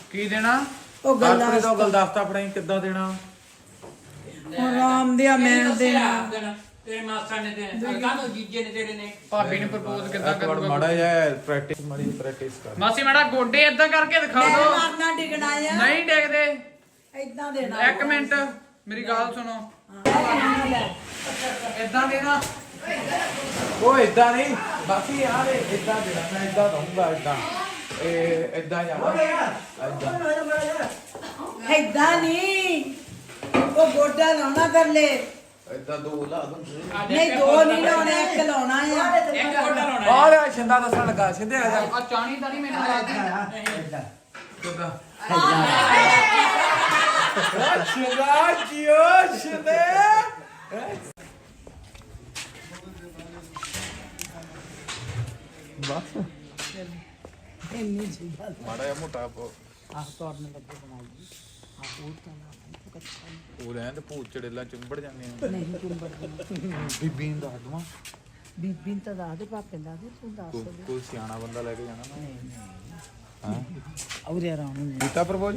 ਕੀ ਦੇਣਾ? ਉਹ ਗੁਲਦਸਤਾ ਫੜਾਈ ਕਿੱਦਾਂ ਦੇਣਾ? ਆਰਾਮ ਦਿਆ ਮੈਂ ਦੇਣਾ ਤੇਰੇ ਮਾਸਾ ਨੇ ਤੇ ਕਾਹਨੂੰ ਜੀਜੇ ਨੇ ਤੇਰੇ ਨੇ ਭਾਬੀ ਨੇ ਪ੍ਰਪੋਜ਼ ਕਿੱਦਾਂ ਕਰੂਗਾ? ਮਾੜਾ ਜਿਹਾ ਪ੍ਰੈਕਟਿਸ ਕਰ। ਮਾਸੀ ਮਾੜਾ ਗੋਡੇ ਏਦਾਂ ਕਰਕੇ ਦਿਖਾ ਮੈਂ ਦੋ। ਮਾਰਨਾ ਡਿਗਣਾ ਆ ਨਹੀਂ ਡੇਗਦੇ। ਏਦਾਂ ਦੇਣਾ ਇੱਕ ਮਿੰਟ ਮੇਰੀ ਗੱਲ ਸੁਣੋ। ਏਦਾਂ ਦੇਣਾ। ਉਹ ਇਦਾਂ ਨਹੀਂ ਬਾਕੀ ਯਾਰ ਇਦਾਂ ਦੇਣਾ ਮੈਂ ਇਦਾਂ ਦਊਂਗਾ ਇਦਾਂ ਇਹ ਇਦਾਂ ਜਾਣਾ ਏਦਾਂ ਨਹੀਂ ਉਹ ਗੋਡਾ ਲਾਉਣਾ ਕਰਲੇ ਇਦਾਂ ਦੋ ਲਾ ਦੂੰ। ਨਹੀਂ ਦੋ ਨਹੀਂ ਲਾਉਣੇ ਇੱਕ ਲਾਉਣਾ ਆ ਇੱਕ ਗੋਡਾ ਲਾਉਣਾ ਆ ਲੈ ਸ਼ਿੰਦਾ ਦੱਸਣ ਲੱਗਾ ਸਿੱਧੇ ਆ ਜਾ ਆ ਚਾਣੀ ਤਾਂ ਨਹੀਂ ਮੈਨੂੰ ਲੱਗਦੀ। ਕਿੱਦਾਂ ਸ਼ਿੰਦਾ ਜੀਓ ਸ਼ਿੰਦੇ ਬਸ ਇੰਨੀ ਜੀ ਗੱਲ ਮਾੜਾ ਜਿਹਾ ਮੋਟਾ ਆਹ ਤੋੜਨ ਲੱਗੇ ਬਣਾਈ ਆਹ ਉਹ ਤਾਂ ਉਹ ਰਹਿਣ ਤੇ ਭੂਤ ਚੜੇਲਾ ਚੁੰਬੜ ਜਾਂਦੇ ਆ ਨਹੀਂ ਚੁੰਬੜ ਬੀਬੀ ਨੂੰ ਦੱਸ ਦਵਾਂ ਬੀਬੀ ਤਾਂ ਦੱਸ ਦੇ ਪਾਪੇ ਦਾ ਦੇ ਤੂੰ ਦੱਸ ਦੇ ਕੋਈ ਸਿਆਣਾ ਬੰਦਾ ਲੈ ਕੇ ਜਾਣਾ ਨਾ ਹਾਂ ਔਰੇ ਆਰਾਮ ਨੂੰ ਕੀਤਾ ਪ੍ਰਪੋਜ਼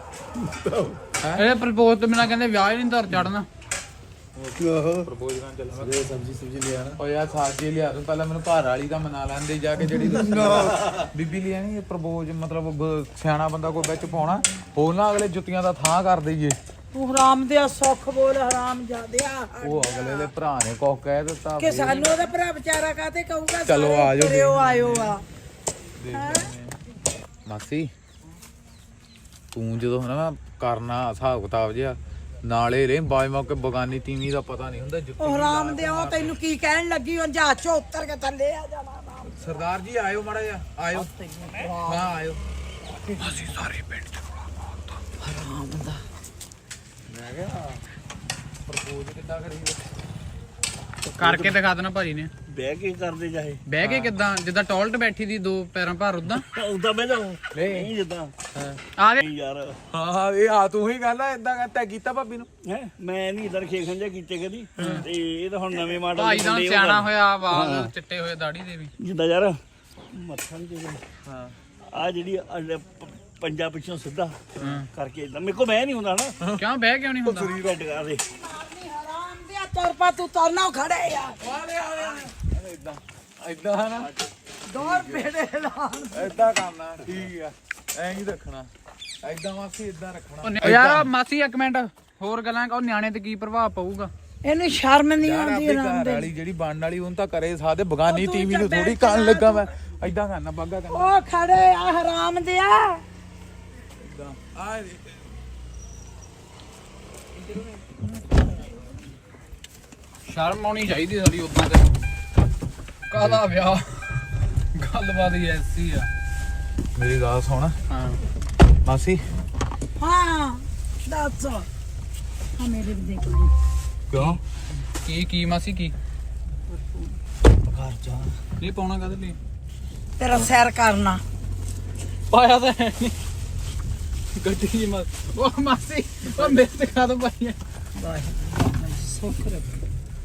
ਇਹ ਪ੍ਰਪੋਜ਼ ਤੋਂ ਬਿਨਾਂ ਕਹਿੰਦੇ ਵਿਆਹ ਹੀ ਨਹੀਂ ਧਰ ਚੜਨਾ। ਪ੍ਰਪੋਜ਼ ਕਰਨ ਚੱਲਾਂਗਾ ਸਬਜ਼ੀ ਲਿਆ ਨਾ ਓ ਯਾਰ ਸਬਜ਼ੀ ਲਿਆ ਤੂੰ ਪਹਿਲਾਂ ਮੈਨੂੰ ਘਰ ਵਾਲੀ ਦਾ ਮਨਾ ਲੈਂਦੇ ਜਾ ਕੇ ਜਿਹੜੀ ਬੀਬੀ ਲਿਆ ਨਹੀਂ ਪ੍ਰਪੋਜ਼ ਮਤਲਬ ਸਿਆਣਾ ਬੰਦਾ ਕੋਈ ਵਿੱਚ ਪਾਉਣਾ ਹੋਰ ਨਾ ਅਗਲੇ ਜੁੱਤੀਆਂ ਦਾ ਥਾਂ ਕਰ ਦਈਏ। ਤੂੰ ਹਰਾਮ ਦਿਆ ਸੁੱਖ ਬੋਲ ਹਰਾਮ ਜਾਦਿਆ ਉਹ ਅਗਲੇ ਦੇ ਭਰਾ ਨੇ ਕੁਝ ਕਹਿ ਦਿੱਤਾ ਕਿ ਸਾਨੂੰ ਉਹਦਾ ਭਰਾ ਵਿਚਾਰਾ ਕਾਤੇ ਕਹੂਗਾ ਚਲੋ ਸਾਰੇ ਆ ਜਾਓ ਤੁਰਿਓ ਆਇਓ ਆ ਮਾਸੀ ਤੂੰ ਜਦੋਂ ਹਨਾ ਕਰਨਾ ਹਿਸਾਬ ਕਿਤਾਬ ਜਿਹਾ ਨਾਲੇ ਰੇ ਬਾਈ ਮੌਕੇ ਬਗਾਨੀ ਤੀਵੀਂ ਦਾ ਪਤਾ ਨਹੀਂ ਹੁੰਦਾ ਜੁੱਤੀ ਉਹ ਹਰਾਮ ਦਿਆ ਉਹ ਤੈਨੂੰ ਕੀ ਕਹਿਣ ਲੱਗੀ ਉਹ ਜਹਾਜ਼ ਚੋਂ ਉੱਤਰ ਕੇ ਥੱਲੇ ਆ ਜਾਣਾ ਸਰਦਾਰ ਜੀ ਆਇਓ ਮਾੜਾ ਜਿਹਾ ਆਇਓ ਹਾਂ ਆਇਓ ਅਸੀਂ ਸਾਰੇ ਪਿੰਡ ਚ ਹਰਾਮ ਦਾ ਮੈਂ ਕਿਹਾ ਪ੍ਰਪੋਜ਼ ਕਿੱਦਾਂ ਕਰੀਏ ਕਰਕੇ ਦਿਖਾ ਦੇਣਾ ਭਾਜੀ ਨੇ। ਬਹਿ ਕੇ ਕਰਦੇ ਜਾਏ ਬਹਿ ਕੇ ਕਿੱਦਾਂ ਜਿੱਦਾਂ ਟਾਇਲਟ ਬੈਠੀ ਦੀ ਦੋ ਪੈਰਾਂ ਭਾਰ ਉਦਾਂ ਉਦਾਂ ਬਹਿ ਜਾਓ ਨਹੀਂ ਨਹੀਂ ਜਿੱਦਾਂ ਆ ਦੇ। ਨਹੀਂ ਯਾਰ ਹਾਂ ਇਹ ਆ ਤੂੰ ਹੀ ਗੱਲ ਆ ਇਦਾਂ ਕਹਿੰਦਾ ਕੀਤਾ ਭਾਬੀ ਨੂੰ ਹੈ ਮੈਂ ਨਹੀਂ ਇਧਰ ਖੇਖਣ ਜਿਹਾ ਕੀਤੇ ਕਦੀ ਤੇ ਇਹ ਤਾਂ ਹੁਣ ਨਵੇਂ ਮਾਡਲ ਭਾਈ ਦਾ ਸਿਆਣਾ ਹੋਇਆ ਵਾਲ ਚਿੱਟੇ ਹੋਏ ਦਾੜੀ ਦੇ ਵੀ। ਜਿੱਦਾਂ ਯਾਰ ਮੱਥਾ ਨਹੀਂ ਤੇ ਹਾਂ ਆ ਜਿਹੜੀ ਪੰਜਾ ਪਿੱਛੋਂ ਸਿੱਧਾ ਕਰਕੇ ਇਦਾਂ ਮੇਰੇ ਕੋ ਮੈਂ ਨਹੀਂ ਹੁੰਦਾ ਨਾ ਕਿਉਂ ਬਹਿ ਕਿਉਂ ਨਹੀਂ ਹੁੰਦਾ? ਸਰੀਰ ਰੈਡ ਕਰ ਦੇ ਹਰਾਮ ਦਿਆ ਤੁਰ ਪਾ ਤੂੰ ਤੁਰਨਾ ਖੜੇ ਆ ਇਦਾਂ ਇਦਾਂ ਹਨਾ ਦੌੜ ਪੇੜੇ ਲਾਉਣ ਇਦਾਂ ਕਰਨਾ ਠੀਕ ਆ ਐਂ ਹੀ ਰੱਖਣਾ ਇਦਾਂ ਮਾਸੀ ਇਦਾਂ ਰੱਖਣਾ ਉਹ ਯਾਰ ਮਾਸੀ ਇੱਕ ਮਿੰਟ ਹੋਰ ਗੱਲਾਂ ਕਹੋ ਨਿਆਣੇ ਤੇ ਕੀ ਪ੍ਰਭਾਵ ਪਊਗਾ? ਇਹਨੂੰ ਸ਼ਰਮ ਨਹੀਂ ਯਾਰ ਆਉਂਦੀ ਆਪਣੀ ਹਰਾਮ ਘਰ ਦੇ ਵਾਲੀ ਜਿਹੜੀ ਬਣਨ ਵਾਲੀ ਉਹਨੂੰ ਤਾਂ ਕਰੇ ਸਾਦੇ ਬਗਾਨੀ ਟੀਵੀ ਨੂੰ ਥੋੜੀ ਕਰਨ ਲੱਗਾ ਮੈਂ ਇਦਾਂ ਕਰਨਾ ਬਾਗਾ ਕਰਨਾ ਉਹ ਖੜੇ ਆ ਹਰਾਮ ਦਿਆ ਇਦਾਂ ਆ ਸ਼ਰਮ ਆਉਣੀ ਚਾਹੀਦੀ ਸਾਡੀ ਉਦਾਂ ਤੇ ਕਾਹਦਾ ਵਿਆਹ ਗੱਲਬਾਤ ਹੀ ਐਸੀ ਆ। ਮੇਰੀ ਗੱਲ ਸੁਣ ਹਾਂ ਮਾਸੀ ਹਾਂ ਦੱਸ ਹਾਂ ਮੇਰੇ ਵੀ ਦੇਖ ਲਈ ਕਿਉਂ ਕੀ ਮਾਸੀ ਕੀ ਘਰ ਜਾ ਨਹੀਂ ਪਾਉਣਾ ਕਦੇ ਲਈ ਤੇਰਾ ਸੈਰ ਕਰਨਾ ਪਾਇਆ ਤਾਂ ਹੈ ਨਹੀਂ ਗੱਡੀ ਦੀ ਉਹ ਮਾਸੀ ਉਹ ਮੇਰੇ ਤੇ ਕਾਹਦੋਂ ਪਾਈ ਹੈ? ਸੁੱਖ ਰੱਖ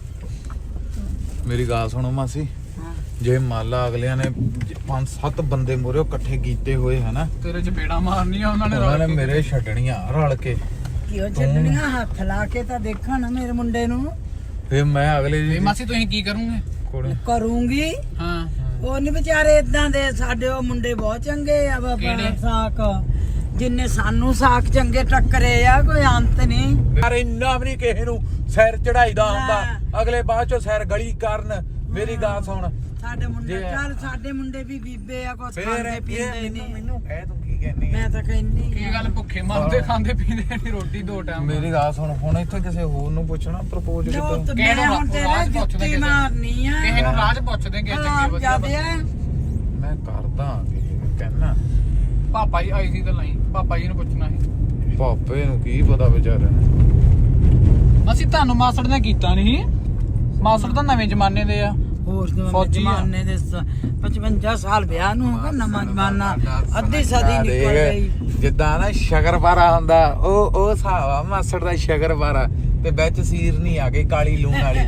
ਮੇਰੀ ਗੱਲ ਸੁਣੋ ਮਾਸੀ ਜੇ ਮੰਨ ਲਾ ਅਗਲਿਆਂ ਨੇ 5-7 ਬੰਦੇ ਮੋਰੇ ਇਕੱਠੇ ਕੀਤੇ ਹੋਏ ਹਨਾ ਤੇਰੇ ਚਪੇੜਾ ਮਾਰਨੀਆਂ ਉਹਨਾਂ ਨੇ ਉਹਨਾਂ ਨੇ ਰਲ ਕੇ। ਮੇਰੇ ਛੱਡਣੀਆਂ ਰਲ ਕੇ ਕਿਉਂ ਛੱਡਣੀਆਂ ਹੱਥ ਲਾ ਕੇ ਤਾਂ ਦੇਖਣ ਮੇਰੇ ਮੁੰਡੇ ਨੂੰ ਫੇ ਮੈਂ ਅਗਲੇ ਤੇ ਜੀ ਮਾਸੀ ਤੁਸੀਂ ਕੀ ਕਰੋਗੇ? ਕੋਲੇ ਕਰੂੰਗੀ ਹਾਂ ਉਹ ਨਹੀਂ ਵਿਚਾਰੇ ਇਦਾਂ ਦੇ ਸਾਡੇ ਉਹ ਮੁੰਡੇ ਬਹੁਤ ਚੰਗੇ ਆ ਬਾਬਾ ਕਿਹੜੇ? ਸਾਕ ਜਿੰਨੇ ਸਾਨੂੰ ਸਾਕ ਚੰਗੇ ਟੱਕਰੇ ਆ ਕੋਈ ਅੰਤ ਨਹੀਂ ਯਾਰ ਇੰਨਾ ਵੀ ਨਹੀਂ ਕਿਸੇ ਨੂੰ ਸਿਰ ਚੜਾਈਦਾ ਹੁੰਦਾ ਅਗਲੇ ਬਾਅਦ ਚੋਂ ਸਿਰ ਗਲੀ ਕਰਨ ਮੇਰੀ ਗੱਲ ਸੁਣ ਸਾਡੇ ਮੁੰਡੇ ਜੇ- ਚੱਲ ਸਾਡੇ ਮੁੰਡੇ ਵੀ ਬੀਬੇ ਆ ਕੁਛ ਫੇਰ ਖਾਂਦੇ ਪੀਂਦੇ ਨਹੀਂ ਮੈਨੂੰ ਕਹਿ ਤੂੰ ਕੀ ਕਹਿੰਨੀ ਮੈਂ ਤਾਂ ਕਹਿੰਦੀ ਕੀ ਗੱਲ ਭੁੱਖੇ ਮਰਦੇ ਖਾਂਦੇ ਪੀਂਦੇ ਨਹੀਂ ਰੋਟੀ ਦੋ ਟਾਈਮ ਮੇਰੀ ਗੱਲ ਸੁਣ ਹੁਣ ਇੱਥੇ ਕਿਸੇ ਹੋਰ ਨੂੰ ਪੁੱਛਣਾ ਪ੍ਰਪੋਜ਼ ਲੋ ਕਿੱਦਾਂ ਤੇ ਕਿਹਨੂੰ ਮੈਂ ਹੁਣ ਤੇਰੇ ਰਾਜ ਪੁੱਛਦੇ ਜੁੱਤੀ ਕਿਸੇ ਨੂੰ? ਮਾਰਨੀ ਆ ਕਿਸੇ ਨੂੰ ਰਾਜ ਪੁੱਛਦੇ ਕਿ ਚੰਗੇ ਹਰਾਮ ਵਧੀਆ ਜਾਦੇ ਆ ਮੈਂ ਕਰਦਾ ਕਹਿਣਾ ਪਾਪਾ ਜੀ ਆਈ ਸੀ ਤਾਂ ਲਈ ਪਾਪਾ ਜੀ ਨੂੰ ਪੁੱਛਣਾ ਸੀ। ਪਾਪੇ ਨੂੰ ਕੀ ਪਤਾ ਵਿਚਾਰੇ ਅਸੀਂ ਤੁਹਾਨੂੰ ਮਾਸੜ ਨੇ ਕੀਤਾ ਨਹੀਂ ਮਾਸੜ ਤਾਂ ਨਵੇਂ ਜ਼ਮਾਨੇ ਦੇ ਆ ਹੋਰ ਫੌਜੀ ਆ। ਜ਼ਮਾਨੇ ਦੇ 55 ਸਾਲ ਵਿਆਹ ਨੂੰ ਹੋਗਾ ਨਵਾਂ ਜ਼ਮਾਨਾ ਅੱਧੀ ਸਦੀ ਨਿਕਲ ਗਈ ਜਿੱਦਾਂ ਨਾ ਸ਼ਕਰਪਾਰਾ ਹੁੰਦਾ ਉਹ ਹਿਸਾਬ ਆ ਮਾਸੜ ਦਾ ਸ਼ਕਰਪਾਰਾ ਤੇ ਵਿੱਚ ਸੀਰ ਨਹੀਂ ਆ ਗਈ ਕਾਲੀ ਲੂਣ ਵਾਲੀ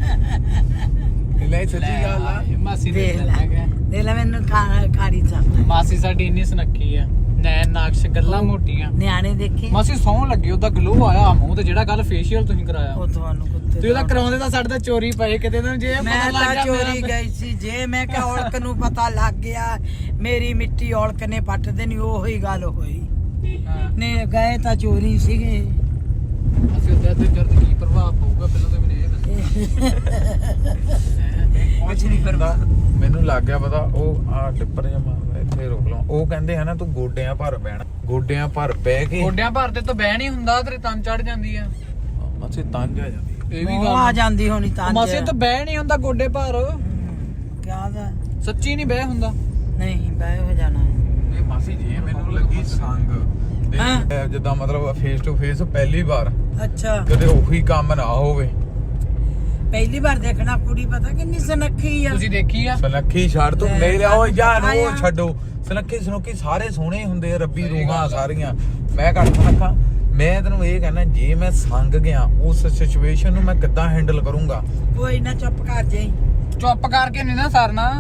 ਲੈ ਸੱਚੀ ਗੱਲ ਆ ਮਾਸੀ ਦੇਖ ਦੇ ਲੈ ਦੇਖ ਲੈ ਮੈਨੂੰ ਖਾਰੀ ਚਾਹਤਾ ਮਾਸੀ ਸਾਡੀ ਇੰਨੀ ਸੁਨੱਖੀ ਆ ਨੈਣ ਨਾਕਸ਼ ਗੱਲਾਂ ਮੋਟੀਆਂ ਨਿਆਣੇ ਦੇਖੇ ਮਾਸੀ ਸੌਣ ਲੱਗੇ ਉਹਦਾ ਗਲੋ ਆਇਆ ਮੂੰਹ ਤੇ ਜਿਹੜਾ ਕੱਲ ਫੇਸ਼ੀਅਲ ਤੁਸੀਂ ਕਰਾਇਆ ਉਹ ਤੁਹਾਨੂੰ ਕੁੱਤੇ ਤੁਸੀਂ ਉਹਦਾ ਕਰਾਉਂਦੇ ਤਾਂ ਸਾਡੇ ਤਾਂ ਚੋਰੀ ਪਏ ਕਿਤੇ ਨਾ ਜੇ ਮੈਂ ਪਤਾ ਲੱਗ ਤਾਂ ਗਿਆ ਚੋਰੀ ਗਈ ਸੀ ਜੇ ਮੈਂ ਕਿਹਾ ਔਲਕ ਨੂੰ ਪਤਾ ਲੱਗ ਗਿਆ ਮੇਰੀ ਮਿੱਟੀ ਔਲਕ ਨੇ ਪੱਟ ਦੇਣੀ ਉਹੀ ਗੱਲ ਹੋਈ ਹਾਂ। ਨੇ ਗਏ ਤਾਂ ਚੋਰੀ ਸੀਗੇ ਅਸੀਂ ਉਹਦੇ ਤੇ ਜਦ ਕੀ ਪ੍ਰਭਾਵ ਪਊਗਾ ਪਹਿਲਾਂ ਤਾਂ ਮੈਨੂੰ ਇਹ ਕੁਝ ਨਹੀਂ ਕਰਵਾ ਮੈਨੂੰ ਲੱਗ ਗਿਆ ਪਤਾ ਉਹ ਆ ਟਿੱਪਰ ਜਿਹਾ ਮਾਰਦਾ ਇੱਥੇ ਰੋਕ ਲਾ ਉਹ ਕਹਿੰਦੇ ਹਨਾ ਤੂੰ ਗੋਡਿਆਂ ਭਰ ਬਹਿਣਾ ਗੋਡਿਆਂ ਭਰ ਬਹਿ ਕੇ ਗੋਡਿਆਂ ਭਰ ਤੇ ਤਾਂ ਬਹਿ ਨਹੀਂ ਹੁੰਦਾ ਤੇਰੇ ਤਨ ਚੜ ਜਾਂਦੀ ਆ ਮਾਸੀ ਤੰਜ ਆ ਜਾਂਦੀ ਇਹ ਵੀ ਉਹ ਗੱਲ ਆ ਜਾਂਦੀ ਹੋਣੀ ਤਾਂ ਮਾਸੀ ਤਾਂ ਬਹਿ ਨਹੀਂ ਹੁੰਦਾ ਗੋਡੇ ਭਰ ਕਿਆ ਦਾ ਸੱਚੀ ਨਹੀਂ ਬਹਿ ਹੁੰਦਾ ਨਹੀਂ ਬੈ ਹੋ ਜਾਣਾ ਇਹ ਮਾਸੀ ਜੀ ਮੈਨੂੰ ਲੱਗੀ ਸੰਗ ਤੇ ਹਾਂ। ਜਿੱਦਾਂ ਮਤਲਬ ਫੇਸ ਟੂ ਫੇਸ ਪਹਿਲੀ ਵਾਰ ਅੱਛਾ ਕਦੇ ਉਹੀ ਕੰਮ ਨਾ ਹੋਵੇ ਪਹਿਲੀ ਵਾਰ ਦੇਖਣਾ ਕੁੜੀ ਪਤਾ ਕਿੰਨੀ ਸੁਨੱਖੀ ਆ ਤੁਸੀਂ ਦੇਖੀ ਆ ਸਨੱਖੀ ਛੱਡ ਤੂੰ ਲੈ, ਮੇਰੇ ਉਹ ਯਾਰ ਆਇਆ। ਉਹ ਛੱਡੋ ਸਨੱਖੀ ਸਨੁੱਖੀ ਸਾਰੇ ਸੋਹਣੇ ਹੁੰਦੇ ਆ, ਰੱਬੀ ਰੂਹਾਂ ਸਾਰੀਆਂ ਮੈਂ ਘੱਟ ਸਨੱਖਾ ਮੈਂ ਤੈਨੂੰ ਇਹ ਕਹਿਣਾ ਜੇ ਮੈਂ ਸੰਗ ਗਿਆ ਉਸ ਸਿਚੁਏਸ਼ਨ ਨੂੰ ਮੈਂ ਕਿੱਦਾਂ ਹੈਂਡਲ ਕਰੂੰਗਾ ਕੋਈ ਨਾ ਚੁੱਪ ਕਰ ਜਾਈ ਚੁੱਪ ਕਰਕੇ ਨਹੀਂ ਨਾ ਸਰਨਾ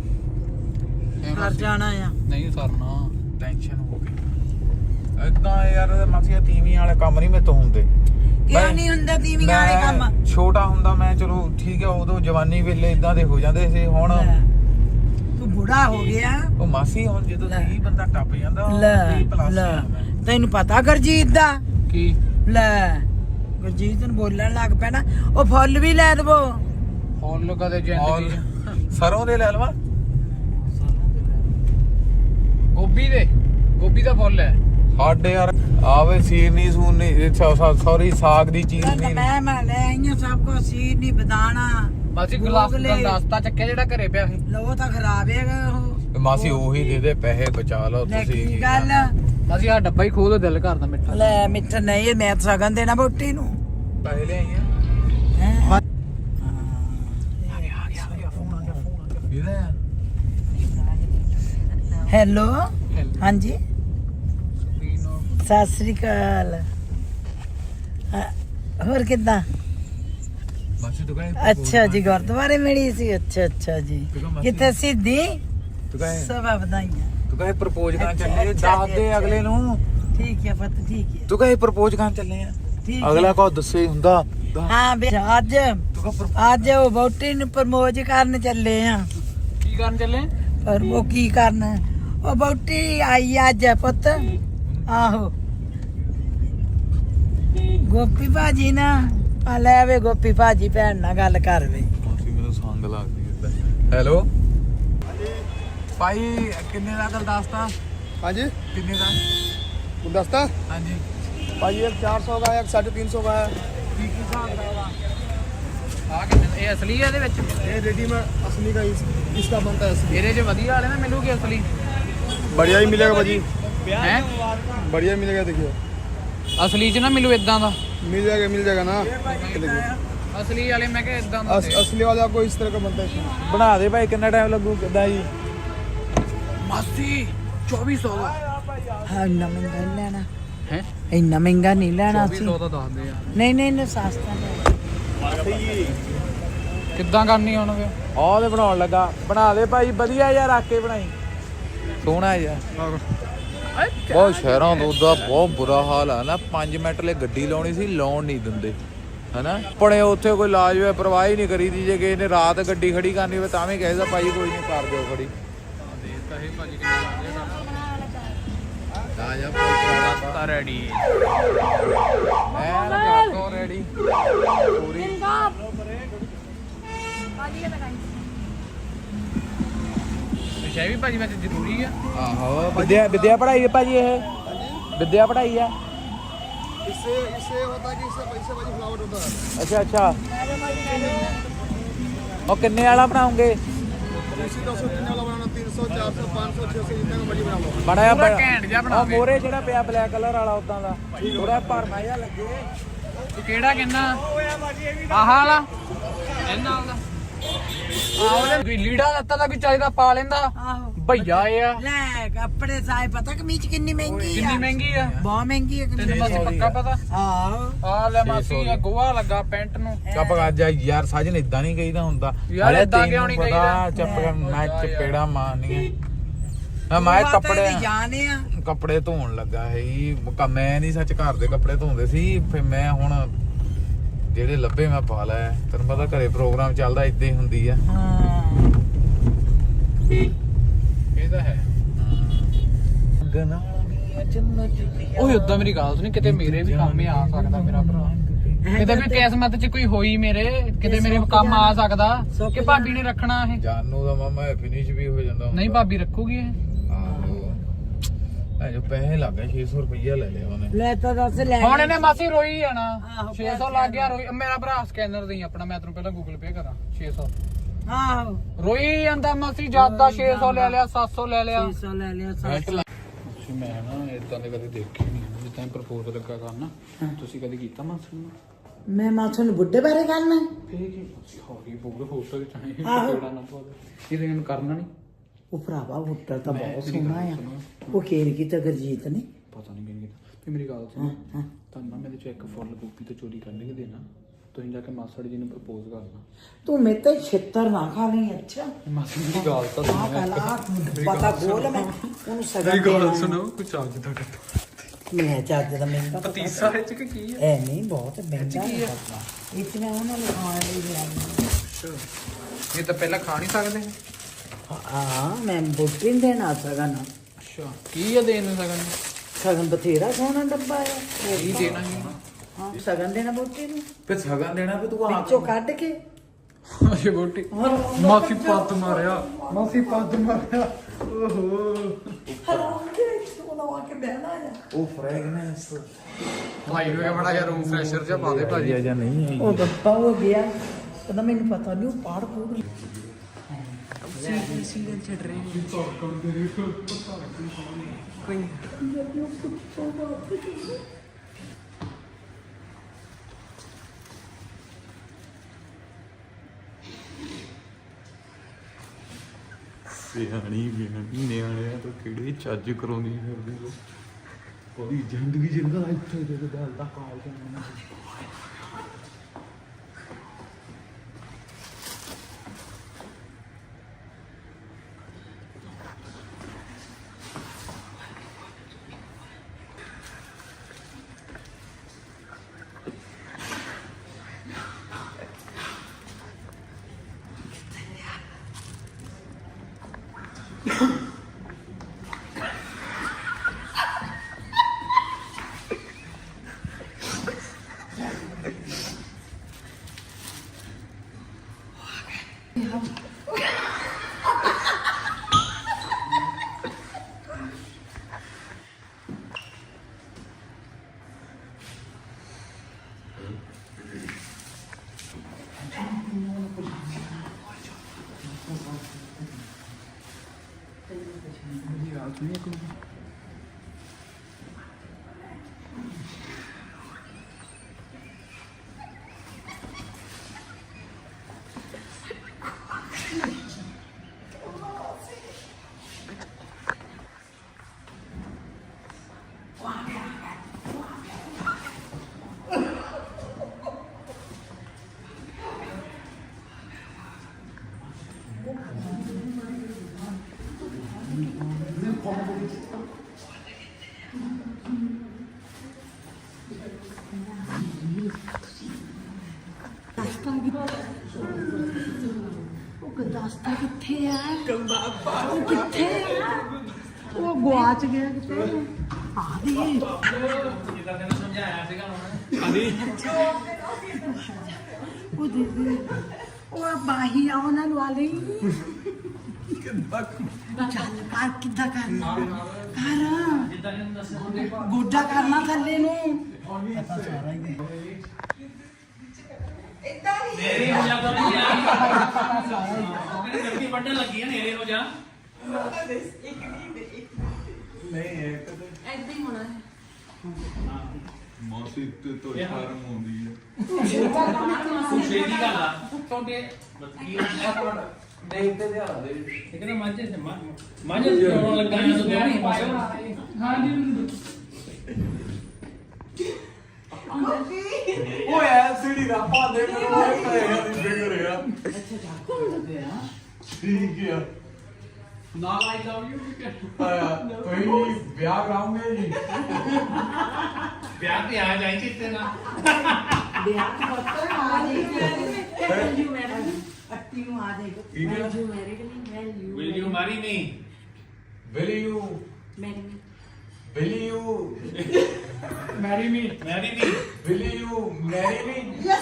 ਕਰ ਜਾਣਾ ਆ ਨਹੀਂ ਸਰਨਾ ਟੈਨਸ਼ਨ ਹੋ ਗਈ ਏਦਾਂ ਯਾਰ ਮਾਸੀਆ ਤੀਵੀਂ ਵਾਲੇ ਕੰਮ ਨਹੀਂ ਮੇਰੇ ਤੋਂ ਹੁੰਦੇ ਕਿਉਂ ਨਹੀਂ ਹੁੰਦਾ ਤੀਵੀਂ ਵਾਲੇ ਕੰਮ ਮੈਂ ਛੋਟਾ ਹੁੰਦਾ ਮੈਂ ਚਲੋ ਠੀਕ ਹੈ ਉਦੋਂ ਜਵਾਨੀ ਵੇਲੇ ਇਦਾਂ ਦੇ ਹੋ ਜਾਂਦੇ ਸੀ ਹੁਣ ਲੈ, ਤੂੰ ਬੁੜਾ ਹੋ ਗਿਆ ਉਹ ਮਾਸੀ ਹੁਣ ਜਦੋਂ ਲੈ। 30 ਬੰਦਾ ਟੱਪ ਜਾਂਦਾ ਲੈ 30 ਪਲੱਸ ਲੈ ਤੈਨੂੰ ਪਤਾ ਗੁਰਜੀਤ ਦਾ ਕੀ ਲੈ ਗੁਰਜੀਤ ਨੂੰ ਬੋਲਣ ਲੱਗ ਪੈਣਾ ਉਹ ਫੁੱਲ ਵੀ ਲੈ ਦਵੋ ਫੁੱਲ ਕਦੇ ਜ਼ਿੰਦਗੀ ਚ। ਸਰੋਂ ਦੇ ਲੈ ਲਵਾ ਗੋਭੀ ਦਾ ਫੁੱਲ ਹੈ ਸਾਡੇ ਯਾਰ ਆਵੇ ਸੀਰਨੀ ਸੂਰਨੀ ਸੌਰੀ ਸਾਗ ਦੀ ਚੀਜ਼ ਨਹੀਂ ਮੈਂ ਲੈ ਆਈਆਂ ਸਭ ਕੋ ਸੀਰ ਨਹੀਂ ਬਦਾਨਾ ਮਾਸੀ ਗਲਾਸ ਗੂਗਲੇ। ਦਾ ਨਾਸਤਾ ਚੱਕਿਆ ਜਿਹੜਾ ਘਰੇ ਪਿਆ ਸੀ ਲੋ ਤਾਂ ਖਰਾਬ ਹੈਗਾ ਉਹ ਮਾਸੀ ਉਹੀ ਦੇ ਦੇ ਪੈਸੇ ਬਚਾ ਲਓ ਲੈ ਤੁਸੀਂ ਕੀ ਗੱਲ ਮਾਸੀ ਆ ਡੱਬਾ ਹੀ ਖੋਲ ਦਿਲ ਕਰਦਾ ਮਿੱਠਾ ਲੈ ਮਿੱਠਾ ਨਹੀਂ ਮੈਂ ਤਾਂ ਸਗਨ ਦੇਣਾ ਬੋਟੀ ਨੂੰ ਪੈਸੇ ਲਿਆਈਆਂ ਹੈਂ? ਇਹਦਾ ਹੈਲੋ ਹਾਂਜੀ ਸਤਿ ਸ੍ਰੀ ਅਕਾਲ ਹੋਰ ਕਿੱਦਾਂ ਮਾਸੀ ਤੂੰ ਕਹੇ ਅੱਛਾ ਜੀ ਗੁਰਦੁਆਰੇ ਮਿਲੀ ਸੀ ਅੱਛਾ ਜੀ ਕਿੱਥੇ ਸਿੱਧੀ ਤੂੰ ਕਹੇ ਸਭਾ ਵਧਾਈਆਂ ਤੂੰ ਕਹੇ ਪ੍ਰਪੋਜ਼ ਕਰਨ ਅੱਛਾ, ਚੱਲੇ ਅੱਛਾ ਦੱਸ ਜੀ, ਦੇ ਅੱਛਾ ਅਗਲੇ ਨੂੰ ਠੀਕ ਹੈ ਪੁੱਤ ਠੀਕ ਹੈ ਤੂੰ ਕਹੇ ਪ੍ਰਪੋਜ਼ ਕਰਨ ਚੱਲੇ ਆ ਠੀਕ ਅਗਲਾ ਹੈ। ਕੋ ਦੱਸੇ ਹੀ ਹੁੰਦਾ ਹਾਂ ਬੇ ਅੱਜ ਤੂੰ ਕਹ ਅੱਜ ਉਹ ਵੋਟੀ ਨੂੰ ਪ੍ਰਮੋਜ ਕਰਨ ਚੱਲੇ ਆ ਕੀ ਕਰਨ ਚੱਲੇ ਪਰ ਉਹ ਕੀ ਕਰਨ ਉਹ ਵੋਟੀ ਆਈ ਅੱਜ ਪੁੱਤ ਆਹੋ ਗੋਪੀ ਭਾਜੀ ਨਾ ਆ ਲੈ ਵੇ ਗੋਪੀ ਭਾਜੀ ਭੈਣ ਨਾਲ ਗੱਲ ਕਰ ਵੇ ਮਾਸੀ ਮੈਨੂੰ ਸੰਗ ਲੱਗਦੀ ਹੈ ਹੈਲੋ ਭਾਈ ਕਿੰਨੇ ਦਾ ਗੁਲਦਸਤਾ हाँ जी ਕਿੰਨੇ ਦਾ गुलदस्ता ਹਾਂਜੀ भाई एक 400 का है एक 350 का है ਕੀ ਕੀ ਹਿਸਾਬ ਦਾ ਆ ਕਿੰਨੇ ਇਹ ਅਸਲੀ ਹੈ ਇਹਦੇ ਵਿੱਚ ये रेडीमेड असली का इसका बनता है असली ਇਹਦੇ 'ਚ ਵਧੀਆ वाले ना ਮਿਲੂਗੇ ਅਸਲੀ बढ़िया ही मिलेगा भाजी ਹੈ बढ़िया मिलेगा देखिए ਅਸਲੀ 'ਚ ਨਾ ਮਿਲੂ ਇਦਾਂ ਦਾ मिल जाएगा ना ये देखिए ਅਸਲੀ ਵਾਲੇ ਮੈਂ ਕਿਹਾ ਇਦਾਂ ਦਾ ਦੇ। असली वाला आपको इस तरह का बनता है इसमें। ਬਣਾ ਦੇ ਭਾਈ ਕਿੰਨਾ ਟਾਈਮ ਲੱਗੂ ਕਿੱਦਾਂ ਜੀ ਮਾਸੀ 2400 ਦਾ ਹਾਂ ਇੰਨਾ ਮਹਿੰਗਾ ਨਹੀਂ ਲੈਣਾ ਹੈ ਇੰਨਾ ਮਹਿੰਗਾ ਨਹੀਂ ਲੈਣਾ ਸੀ 2400 ਦਾ ਦੱਸਦੇ ਆ ਨਹੀਂ ਸਸਤਾ ਲੈ ਕਿੱਦਾਂ ਕਰਨੀ ਹੁਣ ਫੇ ਆਹ ਤੇ ਬਣਾਉਣ ਲੱਗਾ ਬਣਾ ਦੇ ਭਾਈ ਵਧੀਆ ਯਾਰ ਰੱਖ ਕੇ ਬਣਾਈ ਸੋਹਣਾ ਯਾਰ ਬਹੁਤ ਸ਼ਹਿਰਾਂ ਤੋਂ ਦਾ ਬਹੁਤ ਬੁਰਾ ਹਾਲ ਆ ਨਾ 5 ਮਿੰਟ ਲਈ ਗੱਡੀ ਲਾਉਣੀ ਸੀ ਲਾਉਣ ਨਹੀਂ ਦਿੰਦੇ ਹਨਾ ਆਪਣੇ ਉੱਥੇ ਕੋਈ ਲਾਜ ਹੋਇਆ ਪਰਵਾਹ ਹੀ ਨਹੀਂ ਕਰੀਦੀ ਜੇ ਕਿਸੇ ਨੇ ਰਾਤ ਗੱਡੀ ਖੜੀ ਕਰਨੀ ਹੋਵੇ ਤਾਂ ਵੀ ਕਹੇਗਾ ਭਾਈ ਕੋਈ ਨਹੀਂ ਕਰ ਦਿਓ ਖੜੀ ਦੇਤਾ ਇਹ ਭਾਜੀ ਕਿੰਨਾ ਲੱਗਿਆ ਆ ਜਾ ਤਾਂ ਰੈਡੀ ਐਨ ਕਾਕੋ ਰੈਡੀ ਪੂਰੀ ਵਿਸ਼ੇ ਵੀ ਭਾਜੀ ਵਿੱਚ ਜ਼ਰੂਰੀ ਆ ਆਹੋ ਵਿਦਿਆ ਪੜਾਈ ਹੈ ਭਾਜੀ ਇਹ ਵਿਦਿਆ ਪੜਾਈ ਆ इससे होता है कि इससे पैसे भाजी फ्लावर होता है ਅੱਛਾ ਉਹ ਕਿੰਨੇ ਵਾਲਾ ਬਣਾਉਂਗੇ इसी 203 वाला बनाना 300 400 500 600 जितना का मर्जी बना लो ਬਣਾਇਆ ਪੂਰਾ ਘੈਂਟ ਜਿਹਾ ਬਣਾ ਕੇ। ਮੋਰੇ ਜਿਹੜਾ ਪਿਆ ਬਲੈਕ ਕਲਰ ਵਾਲਾ ਉਦਾਂ ਦਾ ਥੋੜਾ ਭਰਮਾ ਜਿਹਾ ਲੱਗੇ ਤੂੰ ਕਿਹੜਾ ਕਹਿੰਦਾ ਆਹ ਵਾਲਾ ਇਹ ਨਾਲ ਦਾ ਆਹ ਕੋਈ ਲੀੜਾ ਲੱਤਾ ਦਾ ਕੋਈ ਚਾਹੀਦਾ ਪਾ ਲੈਂਦਾ ਆਹੋ ਭਈਆ ਇਹ ਆ ਲੈ ਕੱਪੜੇ ਸਾਏ ਪਤਾ ਕਮੀਜ਼ ਕਿੰਨੀ ਮਹਿੰਗੀ ਆ ਕਿੰਨੀ ਮਹਿੰਗੀ ਆ ਬਹੁਤ ਮਹਿੰਗੀ ਆ ਤੈਨੂੰ ਕਮੀਜ਼ ਬਸ ਪੱਕਾ ਪਤਾ ਆਹੋ ਆ ਲੈ ਮਾਸੀ ਇਹ ਗੋਹਾ ਲੱਗਾ ਪੈਂਟ ਨੂੰ ਕੱਪ ਗੱਜ ਯਾਰ ਸਾਜਨ ਇਦਾਂ ਨਹੀਂ ਕਹੀਦਾ ਹੁੰਦਾ ਯਾਰ ਹਲੇ ਏਦਾਂ ਤੈਨੂੰ ਕਿਉਂ ਨਹੀਂ ਪਤਾ, ਕਹੀਦਾ? ਚੱਪ ਮੈਂ ਚਪੇੜਾ ਮਾਰਨੀਆਂ ਮੈਂ ਕੱਪੜੇ ਜਾਣੇ ਆ ਕੱਪੜੇ ਧੋਣ ਲੱਗਾ ਸੀ ਮੈਂ ਨਹੀਂ ਸੱਚ ਘਰ ਦੇ ਕੱਪੜੇ ਧੋਂਦੇ ਸੀ ਫਿਰ ਮੈਂ ਹੁਣ ਜਿਹੜੇ ਲੱਭੇ ਮੈਂ ਪਾ ਲਏ ਤੈਨੂੰ ਪਤਾ ਘਰੇ ਪ੍ਰੋਗਰਾਮ ਚੱਲਦਾ ਇਦਾਂ ਹੀ ਹੁੰਦੀ ਆ ਹਾਂ ਇਹ ਤਾਂ ਹੈ ਓਏ ਉਦਾਂ ਮੇਰੀ ਗੱਲ ਸੁਣੀ ਕਿਤੇ ਮੇਰੇ ਵੀ ਕੰਮ ਆ ਸਕਦਾ ਮੇਰਾ ਭਰਾ ਕਿਤੇ ਵੀ ਕਿਸਮਤ 'ਚ ਕੋਈ ਹੋਈ ਮੇਰੇ ਕਿਤੇ ਮੇਰੇ ਕੰਮ ਆ ਸਕਦਾ ਕਿ ਭਾਬੀ ਨੇ ਰੱਖਣਾ ਇਹ ਜਾਨੂ ਦਾ ਮਾਮਾ ਫਿਨਿਸ਼ ਵੀ ਹੋ ਜਾਂਦਾ ਨਹੀਂ ਭਾਬੀ ਰੱਖੂਗੀ ਇਹ ਆਹੋ ਜੋ ਪੈਸੇ ਲੱਗ ਗਏ 600 ਰੁਪਈਆ ਲੈ ਲਿਆ ਉਹਨੇ ਲੈ ਤਾਂ ਦੱਸ ਲੈ ਹੁਣ ਇਹਨੇ ਮਾਸੀ ਰੋਈ ਜਾਣਾ ਆਹੋ, 600 ਲੱਗ ਗਿਆ ਰੋਈ ਮੇਰਾ ਭਰਾ ਸਕੈਨਰ ਦੇਈ ਆਪਣਾ ਮੈਂ ਤੈਨੂੰ ਪਹਿਲਾਂ ਗੂਗਲ ਪੇ ਕਰਾਂ 600 ਆਹੋ ਰੋਈ ਜਾਂਦਾ ਮਾਸੀ ਜਿਆਦਾ 600 ਲੈ ਲਿਆ 700 ਲੈ ਲਿਆ 600 ਲੈ ਲਿਆ ਤੁਸੀਂ ਮੈਂ ਨਾ ਇਦਾਂ ਦੇ ਕਦੇ ਦੇਖੇ ਨਹੀਂ ਜਿੱਦਾਂ ਪ੍ਰਪੋਜ਼ ਲੱਗਾ ਕਰਨਾ ਤੁਸੀਂ ਕਦੇ ਕੀਤਾ ਮਾਸੀ ਨੂੰ ਮੈਂ ਮਾਥੋਂ ਨੂੰ ਬੁੱਢੇ ਬਾਰੇ ਕਰਨਾ ਇਹ ਕੀ ਹੌਰੀ ਬੋਲ ਫੋਟੋ ਵਿੱਚ ਆਏ ਕਿਹੜਾ ਨਾ ਪਵਾ ਇਹਦੇ ਨੂੰ ਕਰਨਾ ਨਹੀਂ ਉਹ ਭਰਾਵਾ ਬੁੱਢਾ ਤਾਂ ਬਹੁਤ ਸੋਹਣਾ ਆ ਉਹ ਖੇਰ ਕੀ ਤਾਂ ਗਰਜੀਤ ਨੇ ਪਤਾ ਨਹੀਂ ਕਿਹਨੇ ਕੀਤਾ ਤੇ ਮੇਰੀ ਗੱਲ ਸੁਣ ਤੁਹਾਨੂੰ ਨਾ ਮੇਰੇ ਚੋਂ ਇੱਕ ਫੁੱਲ ਗੋਭੀ ਤੇ ਚੋਰੀ ਕਰਨ ਕੇ ਦੇਣਾ ਤੁਸੀਂ ਜਾ ਕੇ ਮਾਸੜ ਜੀ ਨੂੰ ਪ੍ਰਪੋਜ਼ ਕਰਨਾ ਤੂੰ ਮੇਰੇ ਤੇ ਛਿੱਤਰ ਨਾ ਖਾ ਲਈ ਅੱਛਾ ਮਾਸੀ ਦੀ ਗੱਲ ਤਾਂ ਆ ਕਲਾ ਪਤਾ ਬੋਲ ਮੈਂ ਉਹਨੂੰ ਸਗਨ ਗੱਲ ਸੁਣੋ ਕੁਛ ਅੱਜ ਦਾ ਕਰਤਾ ਮੈਂ ਚੱਜ ਦਾ ਮਹਿੰਗਾ ਪਤੀਸਾ ਵਿੱਚ ਕਿ ਕੀ ਹੈ ਇਹ ਨਹੀਂ ਬਹੁਤ ਮਹਿੰਗਾ ਇਤਨਾ ਉਹਨਾਂ ਨੂੰ ਖਾਣ ਲਈ ਲਿਆ ਇਹ ਤਾਂ ਪਹਿਲਾਂ ਖਾ ਨਹੀਂ ਸਕਦੇ ਹਾਂ ਮੈਂ ਬੁੱਢੀ ਦੇਣਾ ਸਗਨ ਅੱਛਾ ਕੀ ਹੈ ਦੇਣ ਨੂੰ ਸਗਨ ਸਗਨ ਬਥੇਰਾ ਸੋਹਣਾ ਡੱਬਾ ਹੈ ਕੀ ਦੇਣਾ ਹੈ ਹਾਂ ਸਗਨ ਦੇਣਾ ਬੁੱਢੀ ਨੂੰ ਫਿਰ ਸਗਨ ਦੇਣਾ ਵੀ ਤੂੰ ਵਿੱਚੋਂ ਕੱਢ ਕੇ ਅਰੇ ਬੋਟੀ ਮਾਸੀ ਪੱਤ ਮਾਰਿਆ ਮਾਸੀ ਪੱਤ ਮਾਰਿਆ ਉਹ ਫ੍ਰੈਗਨੈਂਸ ਭਾਈ ਨੂੰ ਬੜਾ ਜਿਹਾ ਰੂਮ ਫਰੈਸ਼ਰ ਜਿਹਾ ਪਾ ਦੇ ਭਾਜੀ ਜਾਂ ਨਹੀਂ ਹੈ ਉਹ ਡੱਬਾ ਹੋ ਗਿਆ ਕਹਿੰਦਾ ਮੈਨੂੰ ਪਤਾ ਨਹੀਂ ਉਹ ਪਾੜ ਪੂੜ ਸਿਆਣੀ ਨਿਆਣਿਆਂ ਤੋਂ ਕਿਹੜੇ ਚੱਜ ਕਰਾਉਂਦੀ ਫਿਰਦੀ ਉਹਦੀ ਜ਼ਿੰਦਗੀ ਜਿੰਦਾ ਇੱਥੇ ਦੇ ਗੱਲ ਦਾ ਕਾਲ ਕਰਨਾ ਗੁਰਦਾਸਤਾ ਕਿੱਥੇ ਆ ਉਹ ਕਿੱਥੇ ਆ ਉਹ ਗੁਆਚ ਗਿਆ ਕਿਤੇ ਆ ਦੇ ਜਿੱਦਾਂ ਤੈਨੂੰ ਸਮਝਾਇਆ ਸੀਗਾ ਉਹ ਦੀਦੀ ਉਹ ਬਾਹੀ ਆ ਉਹਨਾਂ ਨੂੰ ਆ ਲਈ ਚੱਲ ਕਰ ਕਿੱਦਾਂ ਕਰਨਾ ਕਰ ਜਿੱਦਾਂ ਤੈਨੂੰ ਦੱਸਿਆ ਗੋਡਾ ਕਰਨਾ ਥੱਲੇ ਨੂੰ ਪਤਾ ਸਾਰਾ ਹੀ ਨੇਰੇ ਹੋ ਜਾ ਤਾਂ ਨਹੀਂ ਗਰਮੀ ਵੱਢਣ ਲੱਗੀ ਆ ਨੇਰੇ ਹੋ ਜਾ ਮੌਸੀ ਤੇ ਤੋਂ ਸ਼ਰਮ ਆਉਂਦੀ ਹੈ ਤੂੰ ਛੇਤੀ ਕਰ ਲਾ ਤੁਹਾਡੇ ਬੱਤੀ ਦੇਖਦੇ ਤੇ ਆ ਦੇ ਇੱਕ ਨਾ ਮਾਝੇ ਤੇ ਮਾਝੇ ਚੋਣ ਲੱਗਾ ਆ ਤੂੰ ਦੋਣੀ ਹਾਂ ਜੀ ਓਏ ਐਲਸੀਡੀ ਦਾ ਪਾਦੇ ਮੈਨੂੰ ਪਏਗਾ ਦੀ ਫਿਗਰ ਆ ਠੀਕ ਆ ਨਾਲ ਆਈ ਲਵ ਯੂ ਤੁਸੀਂ ਵਿਆਹ ਕਰਾਉਂਗੇ ਜੀ ਵਿਆਹ ਤੇ ਆ ਜਾਈ ਚਿੱਤੇ ਨਾ ਵਿਆਹ ਕੀ ਪੱਤਰ ਆ ਜੀ ਅੱਟੀ ਨੂੰ ਆ ਜਾਏਗਾ will you marry me Will you marry marry me will you marry me?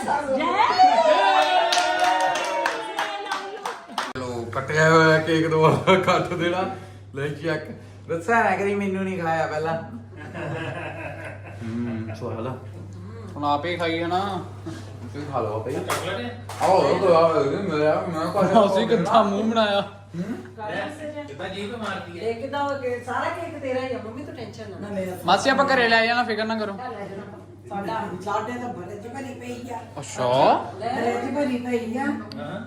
ਚਲੋ ਕੱਟਿਆ ਹੋਇਆ ਕੇਕ ਦੁਬਾਰਾ ਕੱਟ ਦੇਣਾ ਲੈ ਚੱਕ ਦੱਸਿਆ ਨਾ ਕਰੀ ਮੈਨੂੰ ਨਹੀਂ ਖਾਇਆ ਪਹਿਲਾਂ ਸਵਾਲ ਆ ਹੁਣ ਆਪੇ ਖਾਈ ਹਨਾ ਤੁਸੀਂ ਖਾ ਲਓ ਭਾਈ ਚਾਕਲੇਟ ਹੈ ਆਓ ਮੇਰਾ ਮੈਂ ਖਾ ਅਸੀਂ ਕਿੱਦਾਂ ਮੂੰਹ ਬਣਾਇਆ ਕਿੱਦਾਂ ਜੀਭ ਮਾਰਦੀ ਹੈ ਇੱਕ ਤਾਂ ਸਾਰਾ ਕੇਕ ਤੇਰਾ ਹੀ ਆ ਮੰਮੀ ਤੂੰ ਟੈਨਸ਼ਨ ਨਾ ਮੇਰਾ ਮਾਸੀ ਆਪਾਂ ਘਰੇ ਲੈ ਜਾਣਾ ਫਿਕਰ ਨਾ ਕਰੋ ਸਾਡਾ ਸਾਡੇ ਤਾਂ ਬੜੇ ਚ ਭਰੀ ਪਈ ਆ ਅੱਛਾ ਬੜੇ ਚ ਭਰੀ ਪਈ ਆ ਹਾਂ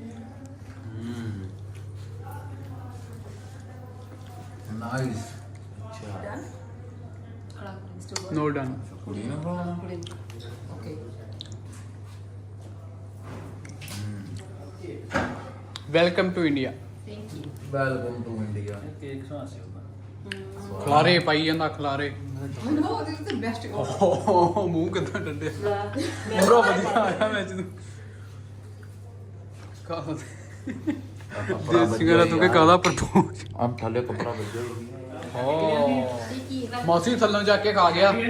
ਨਾਈਸ ਨੋ ਡਨ ਕੁੜੀ ਨਾ ਖਾਣਾ okay welcome to India welcome to India cake ਸੁਆਸੀ ਹੁੰਦਾ ਖਲਾਰੇ ਪਾਈ ਜਾਂਦਾ ਖਲਾਰੇ ਨੋ ਦਿਸ ਇਜ਼ ਦ ਬੈਸਟ ਮੂੰਹ ਕਿੱਦਾਂ ਡੰਡਿਆ ਪੂਰਾ ਵਧੀਆ ਆਇਆ ਮੈਚ ਨੂੰ ਕਾਹ ਦੇਸੀ ਗਾਣਾ ਤੂੰ ਕਿ ਕਾਹਦਾ ਪ੍ਰਪੋਜ਼ ਆਮ ਥੱਲੇ ਕੱਪੜਾ ਵੱਜਿਆ ਓ ਮਾਸੀ ਥੱਲੋਂ ਜਾ ਕੇ ਖਾ ਗਿਆ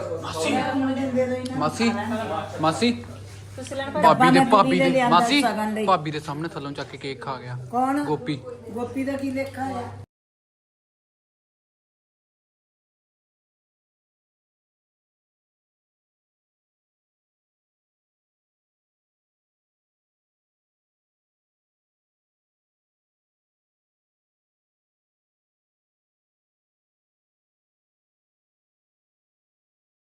ਮਾਸੀ ਮਾਸੀ ਭਾਬੀ ਦੇ ਮਾਸੀ ਭਾਬੀ ਦੇ ਸਾਹਮਣੇ ਥੱਲੋਂ ਚੱਕ ਕੇ ਕੇਕ ਖਾ ਗਿਆ ਕੌਣ ਗੋਪੀ ਗੋਪੀ ਦਾ ਕੀ ਲੇਖਾ ਆ